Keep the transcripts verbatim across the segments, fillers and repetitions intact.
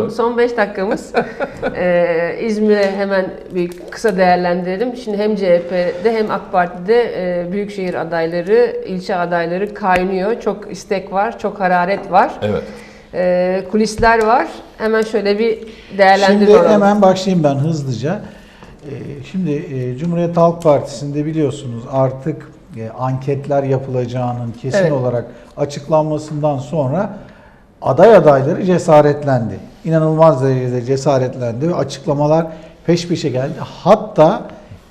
son beş dakikamız. ee, İzmir'e hemen bir kısa değerlendirelim. Şimdi hem C H P'de hem AK Parti'de e, büyükşehir adayları, ilçe adayları kaynıyor. Çok istek var, çok hararet var. Evet. Ee, kulisler var. Hemen şöyle bir değerlendirelim. Şimdi hemen başlayayım ben hızlıca. Ee, Şimdi e, Cumhuriyet Halk Partisi'nde biliyorsunuz artık e, anketler yapılacağının kesin Evet. olarak açıklanmasından sonra aday adayları cesaretlendi. İnanılmaz derecede cesaretlendi ve açıklamalar peş peşe geldi. Hatta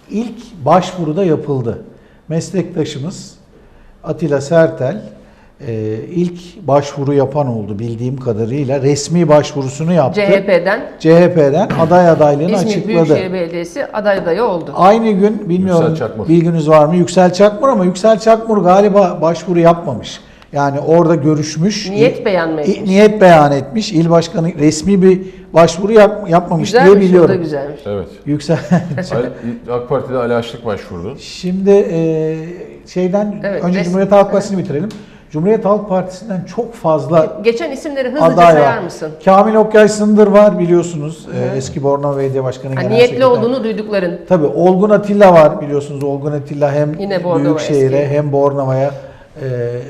ilk başvuruda yapıldı. Meslektaşımız Atilla Sertel e, ilk başvuru yapan oldu bildiğim kadarıyla. Resmi başvurusunu yaptı. C H P'den C H P'den aday adaylığını İzmir açıkladı. Büyükşehir Belediyesi aday adayı oldu. Aynı gün bilmiyorum Yüksel Çakmur. bilginiz var mı? Yüksel Çakmur ama Yüksel Çakmur galiba başvuru yapmamış. Yani orada görüşmüş. Niyet beyan mı i- etmiş? Niyet beyan etmiş. İl başkanı resmi bir başvuru yap, yapmamış diye Güzelmiş, o da biliyorum. güzelmiş. Evet. Yüksel. Ali- AK Parti'de Ali Açlık başvurdu. Şimdi e, şeyden Evet, önce res- Cumhuriyet Halk Partisi'ni bitirelim. Cumhuriyet Halk Partisi'nden çok fazla Geçen isimleri hızlıca aday sayar var. mısın? Kamil Okyay Sındır var biliyorsunuz. E, eski Bornova Belediye Başkanı, Ha, Genel niyetli Sekreter. olduğunu duydukların. Tabii Olgun Atilla var biliyorsunuz. Olgun Atilla hem Yine Bornova Büyükşehir'e eski. hem Bornova'ya e,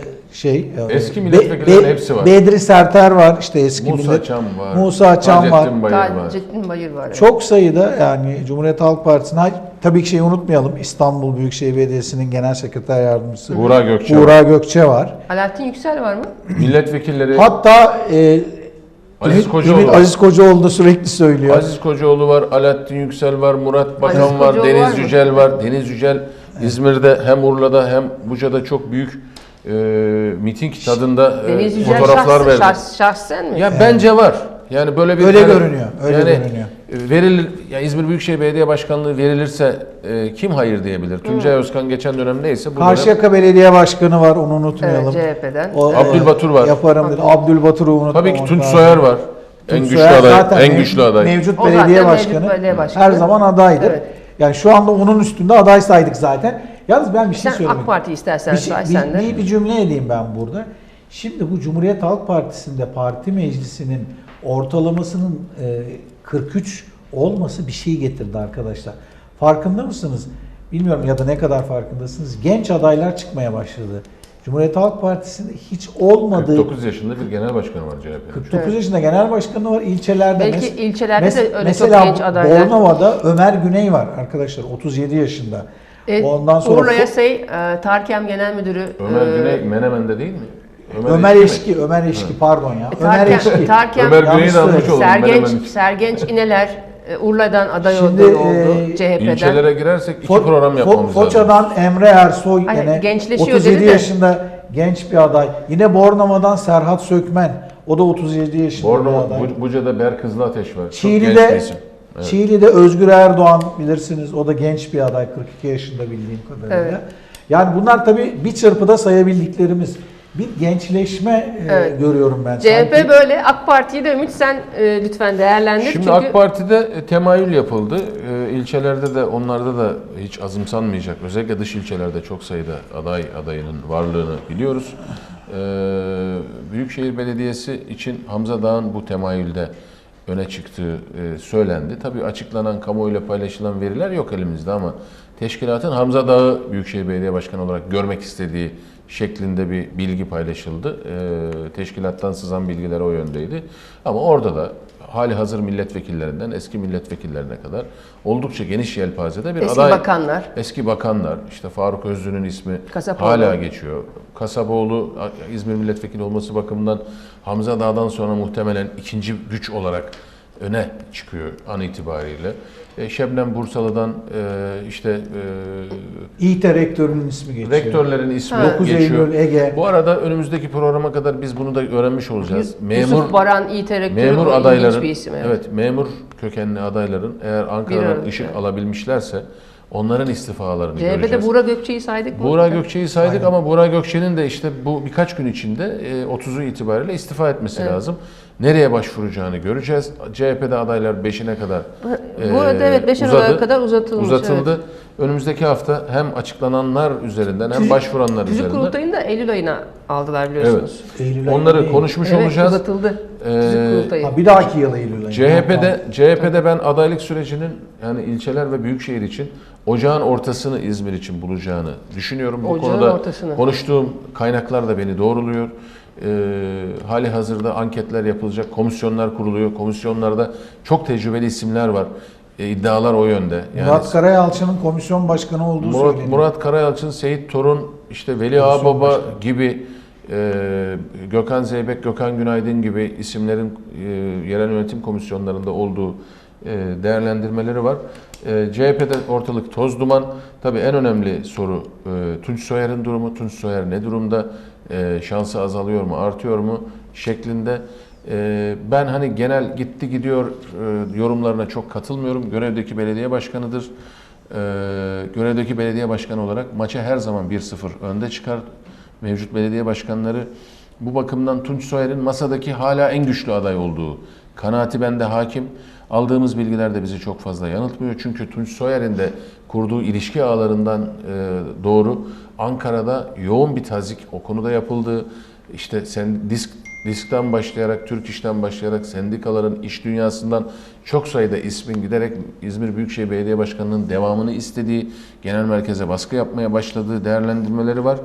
şey e, Eski milletvekillerinin hepsi var. Bedri Serter var işte eski Musa millet. Çam var. Musa Çam var. Taceddin Bayır var. Taceddin Bayır var. Evet. Çok sayıda yani Cumhuriyet Halk Partisi'ne tabii ki şeyi unutmayalım. İstanbul Büyükşehir Belediyesi'nin Genel Sekreter Yardımcısı Buğra Gökçe Buğra var. Gökçe var. Alaaddin Yüksel var mı? Milletvekilleri Hatta e, Aziz Ümit- Kocaoğlu Ümit var. Aziz Kocaoğlu da sürekli söylüyor. Aziz Kocaoğlu var, Alaaddin Yüksel var, Murat Bakan Aziz var, Kocaoğlu var Deniz mı? Yücel var. Deniz Yücel İzmir'de hem Urla'da hem Buca'da çok büyük e, miting tadında e, Deniz Yücel fotoğraflar şahs, verdi. şahs, şahsen mi? Ya bence var. Yani böyle bir Öyle yani- görünüyor, öyle yani görünüyor. verilir ya İzmir Büyükşehir Belediye Başkanlığı verilirse e, kim hayır diyebilir? Tuncay Özkan geçen dönem neyse bu dönem Karşıyaka Belediye Başkanı var, onu unutmayalım. Evet, C H P'den. O, Abdülbatur var. Yaparım dedi. Abdülbatur'u unutmamak tabii ki Tunç lazım. Soyer var. En Tunç güçlü Soyer aday, zaten en mev- güçlü aday. Mevcut O belediye zaten başkanı, mevcut belediye başkanı. her zaman adaydır. Evet. Yani şu anda onun üstünde aday saydık zaten. Yalnız ben bir şey Sen söyleyeyim. AK Parti istersen bir, şey- say bir, sen de. bir, bir cümle edeyim ben burada. Şimdi bu Cumhuriyet Halk Partisi'nde parti meclisinin ortalamasının e, kırk üç olması bir şey getirdi arkadaşlar. Farkında mısınız? Bilmiyorum ya da ne kadar farkındasınız. Genç adaylar çıkmaya başladı. Cumhuriyet Halk Partisi'nde hiç olmadığı kırk dokuz yaşında bir genel başkanı var C H P'nin. kırk dokuz yaşında genel başkanı var ilçelerde. Belki Mes- ilçelerde mes- de öyle çok mesela genç adaylar. Bornova'da Ömer Güney var arkadaşlar otuz yedi yaşında. E, Ondan sonra Urla Fo- Yasay, e, Tarkem Genel Müdürü. Ömer e, Güney Menemen'de değil mi? Ömer mi? Eşki, Ömer Eşki pardon ya. Ömer Tarkem, Eşki. Tarkem Ömer Güney'i de Yanlış almış söyledim. oldum. Sergenç, Menemen. Sergenç İneler e, Urla'dan aday Şimdi, oldu, e, oldu C H P'den. İlçelere girersek iki Fo- program Fo- yapmamız lazım. Foça'dan Emre Ersoy Hayır, yine gençleşiyor otuz yedi dedi de. yaşında genç bir aday. Yine Bornova'dan Serhat Sökmen. O da otuz yedi yaşında bir Bornova, aday. Bu- Buca'da Ber Kızılateş var. Çok genç bir Çiğli'de isim. Evet. Çiğli'de Özgür Erdoğan bilirsiniz. O da genç bir aday kırk iki yaşında bildiğim kadarıyla. Evet. Yani bunlar tabii bir çırpıda sayabildiklerimiz. Bir gençleşme e, Evet. görüyorum ben. C H P sanki. böyle. AK Parti'yi de Ümit sen e, lütfen değerlendir. Şimdi Çünkü AK Parti'de e, temayül yapıldı. E, ilçelerde de onlarda da hiç azımsanmayacak. Özellikle dış ilçelerde çok sayıda aday adayının varlığını biliyoruz. E, Büyükşehir Belediyesi için Hamza Dağ'ın bu temayülde öne çıktığı e, söylendi. Tabii açıklanan, kamuoyuyla paylaşılan veriler yok elimizde ama teşkilatın Hamza Dağ'ı Büyükşehir Belediye Başkanı olarak görmek istediği şeklinde bir bilgi paylaşıldı. E, teşkilattan sızan bilgiler o yöndeydi. Ama orada da hali hazır milletvekillerinden eski milletvekillerine kadar oldukça geniş yelpazede bir eski aday. bakanlar. Eski bakanlar, işte Faruk Özlü'nün ismi Kasapoğlu. hala geçiyor. Kasapoğlu İzmir milletvekili olması bakımından Hamza Dağ'dan sonra muhtemelen ikinci güç olarak öne çıkıyor an itibariyle. E, Şebnem Bursalı'dan e, işte e, İİTE rektörünün ismi geçiyor. rektörlerin ismi Ha. dokuz geçiyor. Eylül Ege. Bu arada önümüzdeki programa kadar biz bunu da öğrenmiş olacağız. Memur Yusuf Baran, İ T rektörü memur o ilginç adayların bir isim. Evet. evet memur kökenli adayların eğer Bir Ankara'dan arada, ışık evet. alabilmişlerse onların istifalarını C H P'de göreceğiz. Buğra Gökçe'yi saydık mı? Buğra Gökçe'yi saydık Aynen. ama Buğra Gökçe'nin de işte bu birkaç gün içinde e, otuzu itibariyle istifa etmesi Evet. lazım. Nereye başvuracağını göreceğiz. C H P'de adaylar beşine kadar Bu arada evet beş uzadı, Aralık'a kadar uzatılmış. uzatıldı. Evet. Önümüzdeki hafta hem açıklananlar üzerinden hem Tüzük- başvuranlar Tüzük üzerinden kurultayını da Eylül ayına aldılar biliyorsunuz. Eylül ayında onları değil. konuşmuş Evet, olacağız. uzatıldı. Tüzük Ee, kurultayı. Ha, bir dahaki yıl Eylül ayında. C H P'de C H P'de ben adaylık sürecinin yani ilçeler ve büyükşehir için ocağın ortasını İzmir için bulacağını düşünüyorum. Bu Ocağın konuda ortasını. konuştuğum kaynaklar da beni doğruluyor. Ee, hali hazırda anketler yapılacak, komisyonlar kuruluyor. Komisyonlarda çok tecrübeli isimler var. Ee, iddialar o yönde. Yani Murat Karayalçı'nın komisyon başkanı olduğu Murat, söyleniyor. Murat Karayalçın, Seyit Torun, işte Veli Komisyon Ağababa başkanı. gibi, e, Gökhan Zeybek, Gökhan Günaydın gibi isimlerin e, yerel yönetim komisyonlarında olduğu e, değerlendirmeleri var. E, C H P'de ortalık toz duman. Tabii en önemli soru e, Tunç Soyer'in durumu. Tunç Soyer ne durumda? E, şansı azalıyor mu, artıyor mu? Şeklinde. E, ben hani genel gitti gidiyor e, yorumlarına çok katılmıyorum. Görevdeki belediye başkanıdır. Ee, görevdeki belediye başkanı olarak maça her zaman bir sıfır önde çıkar. Mevcut belediye başkanları bu bakımdan Tunç Soyer'in masadaki hala en güçlü aday olduğu kanaati bende hakim. Aldığımız bilgiler de bizi çok fazla yanıltmıyor. Çünkü Tunç Soyer'in de kurduğu ilişki ağlarından e, doğru Ankara'da yoğun bir tazik o konuda yapıldı. İşte sen disk Disk'ten başlayarak, Türk İş'ten başlayarak sendikaların iş dünyasından çok sayıda ismin giderek İzmir Büyükşehir Belediye Başkanı'nın devamını istediği, genel merkeze baskı yapmaya başladığı değerlendirmeleri var.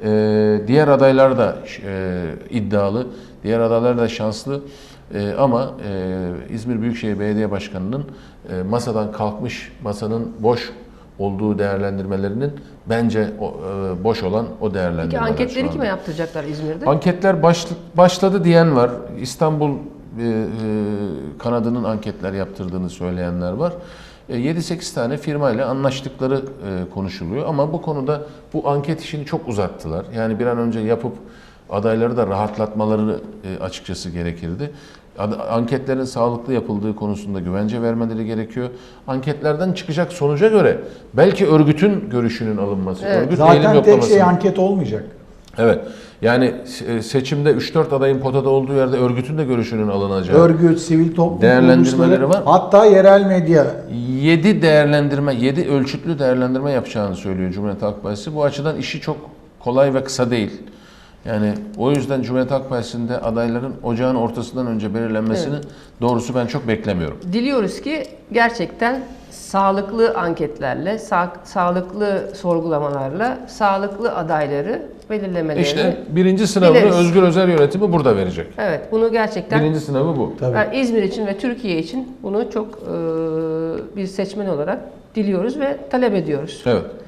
Ee, diğer adaylar da e, iddialı, diğer adaylar da şanslı. E, ama e, İzmir Büyükşehir Belediye Başkanı'nın e, masadan kalkmış, masanın boş olduğu değerlendirmelerinin bence o, e, boş olan o değerlendirmeler. Peki anketleri şu anda. kime yaptıracaklar İzmir'de? Anketler başl- başladı diyen var. İstanbul e, e, kanadının anketler yaptırdığını söyleyenler var. E, yedi sekiz tane firmayla anlaştıkları e, konuşuluyor ama bu konuda bu anket işini çok uzattılar. Yani bir an önce yapıp adayları da rahatlatmaları e, açıkçası gerekirdi. Ad- Anketlerin sağlıklı yapıldığı konusunda güvence vermeleri gerekiyor. Anketlerden çıkacak sonuca göre belki örgütün görüşünün alınması, Evet. örgüt eğilim Zaten tek yoklaması. şey anket olmayacak. Evet. Yani e, seçimde üç dört adayın potada olduğu yerde örgütün de görüşünün alınacağı. Örgüt, sivil toplum Değerlendirmeleri kuruluşları, var. hatta yerel medya. yedi değerlendirme, yedi ölçütlü değerlendirme yapacağını söylüyor Cumhuriyet Halk Partisi. Bu açıdan işi çok kolay ve kısa değil. Yani o yüzden Cumhuriyet Halk Partisi'nde adayların ocağın ortasından önce belirlenmesini doğrusu ben çok beklemiyorum. Diliyoruz ki gerçekten sağlıklı anketlerle, sa- sağlıklı sorgulamalarla, sağlıklı adayları belirlemelerini... İşte birinci sınavını Biliriz. Özgür Özel Yönetimi burada verecek. Evet, bunu gerçekten Birinci sınavı bu. Tabii. yani İzmir için ve Türkiye için bunu çok e, bir seçmen olarak diliyoruz ve talep ediyoruz. Evet.